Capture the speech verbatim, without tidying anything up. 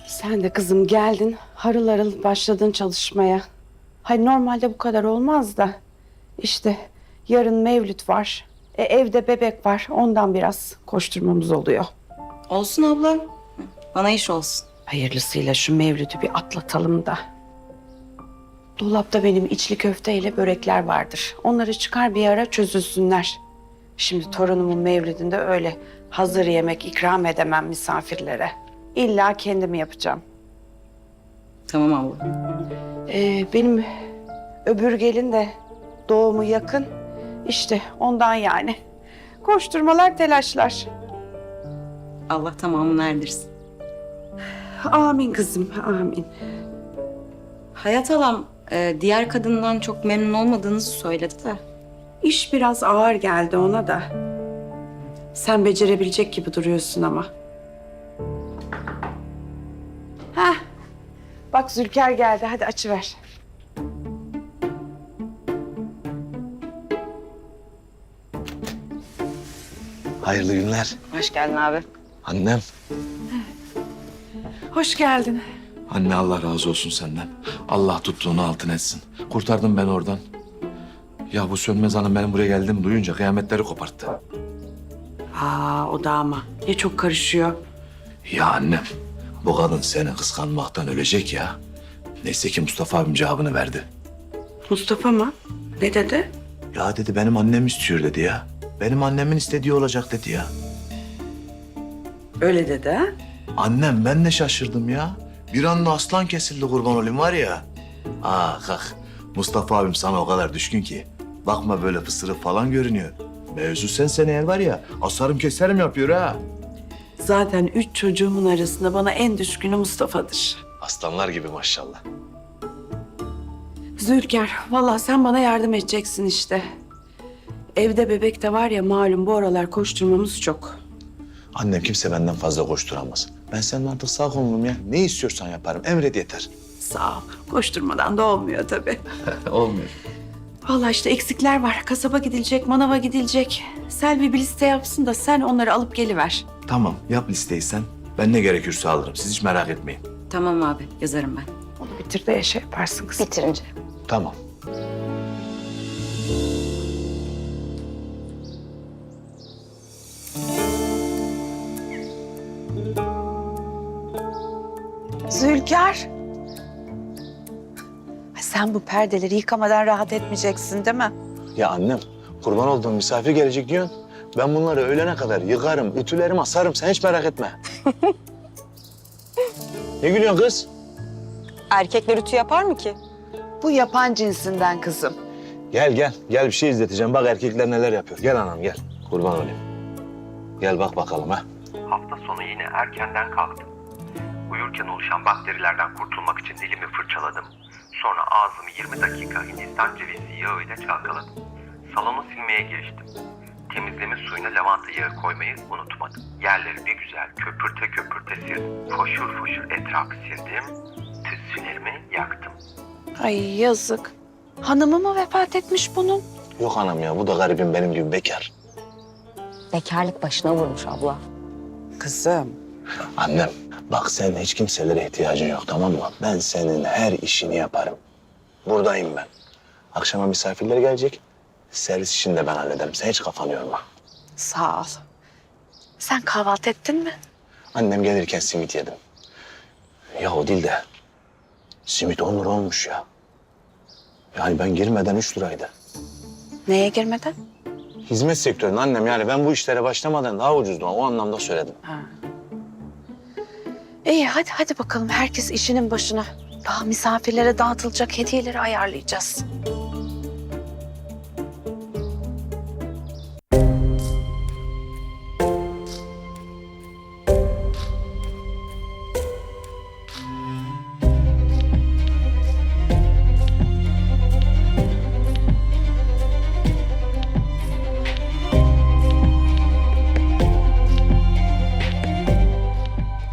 Sen de kızım geldin, harıl harıl başladın çalışmaya. Hayır normalde bu kadar olmaz da. İşte yarın Mevlüt var. E, evde bebek var. Ondan biraz koşturmamız oluyor. Olsun abla. Bana iş olsun. Hayırlısıyla şu Mevlüt'ü bir atlatalım da. Dolapta benim içli köfteyle börekler vardır. Onları çıkar bir ara çözülsünler. Şimdi torunumun Mevlid'inde öyle hazır yemek ikram edemem misafirlere. İlla kendimi yapacağım. Tamam abla. Ee, benim öbür gelin de doğumu yakın. İşte ondan yani. Koşturmalar, telaşlar. Allah tamamını erdirsin. Amin kızım, amin. Hayat halam e, diğer kadından çok memnun olmadığınızı söyledi de. İş biraz ağır geldi ona da. Sen becerebilecek gibi duruyorsun ama. Heh. Bak Zülker geldi. Hadi açıver. Hayırlı günler. Hoş geldin abi. Annem. Hoş geldin. Anne Allah razı olsun senden. Allah tuttuğunu altın etsin. Kurtardın beni oradan. Ya bu Sönmez Hanım benim buraya geldiğimi duyunca kıyametleri koparttı. Aa o da ama. Ne çok karışıyor. Ya annem, bu kadın seni kıskanmaktan ölecek ya. Neyse ki Mustafa abim cevabını verdi. Mustafa mı? Ne dedi? Ya dedi benim annem istiyor dedi ya. Benim annemin istediği olacak dedi ya. Öyle dedi ha? Annem ben de şaşırdım ya. Bir anda aslan kesildi kurban olayım var ya. Aa kalk. Mustafa abim sana o kadar düşkün ki. Bakma böyle pısırık falan görünüyor. Mevzu sensen eğer var ya asarım keserim yapıyor ha. Zaten üç çocuğumun arasında bana en düşkünü Mustafa'dır. Aslanlar gibi maşallah. Zülker, vallahi sen bana yardım edeceksin işte. Evde bebek de var ya malum bu aralar koşturmamız çok. Annem kimse benden fazla koşturamaz. Ben senin artık sağ kolunum ya. Ne istiyorsan yaparım. Emret yeter. Sağ ol. Koşturmadan da olmuyor tabii. Olmuyor. Vallahi işte eksikler var. Kasaba gidilecek, manava gidilecek. Selvi bir liste yapsın da sen onları alıp geliver. Tamam yap listeyi sen. Ben ne gerekirse alırım. Siz hiç merak etmeyin. Tamam abi yazarım ben. Onu bitir de şey yaparsın kızım. Bitirince. Tamam. Zülker. Sen bu perdeleri yıkamadan rahat etmeyeceksin değil mi? Ya annem kurban olduğum misafir gelecek diyorsun. Ben bunları öğlene kadar yıkarım, ütülerim, asarım. Sen hiç merak etme. Ne gülüyorsun kız? Erkekler ütü yapar mı ki? Bu yapan cinsinden kızım. Gel gel. Gel bir şey izleteceğim. Bak erkekler neler yapıyor. Gel anam gel. Kurban olayım. Gel bak bakalım ha. Hafta sonu yine erkenden kalktım. Uyurken oluşan bakterilerden kurtulmak için dilimi fırçaladım. Sonra ağzımı yirmi dakika Hindistan cevizi yağı ile çalkaladım. Salonu silmeye giriştim. Temizleme suyuna lavanta yağı koymayı unutmadım. Yerleri bir güzel köpürte köpürte sildim. Foşur foşur etrafı sildim. Tütsülerimi yaktım. Ay yazık. Hanımı mı vefat etmiş bunun? Yok anam ya bu da garibim benim gibi bekar. Bekarlık başına vurmuş abla. Kızım. Annem bak senin hiç kimselere ihtiyacın yok tamam mı? Ben senin her işini yaparım. Buradayım ben. Akşama misafirler gelecek. Servis işini de ben hallederim. Sen hiç kafanı yorma. Sağ ol. Sen kahvaltı ettin mi? Annem gelirken simit yedim. Ya o değil de simit on lira olmuş ya. Yani ben girmeden üç liraydı. Neye girmeden? Hizmet sektöründe annem yani ben bu işlere başlamadan daha ucuzdu. O anlamda söyledim. Ha. İyi hadi hadi bakalım herkes işinin başına. Daha misafirlere dağıtılacak hediyeleri ayarlayacağız.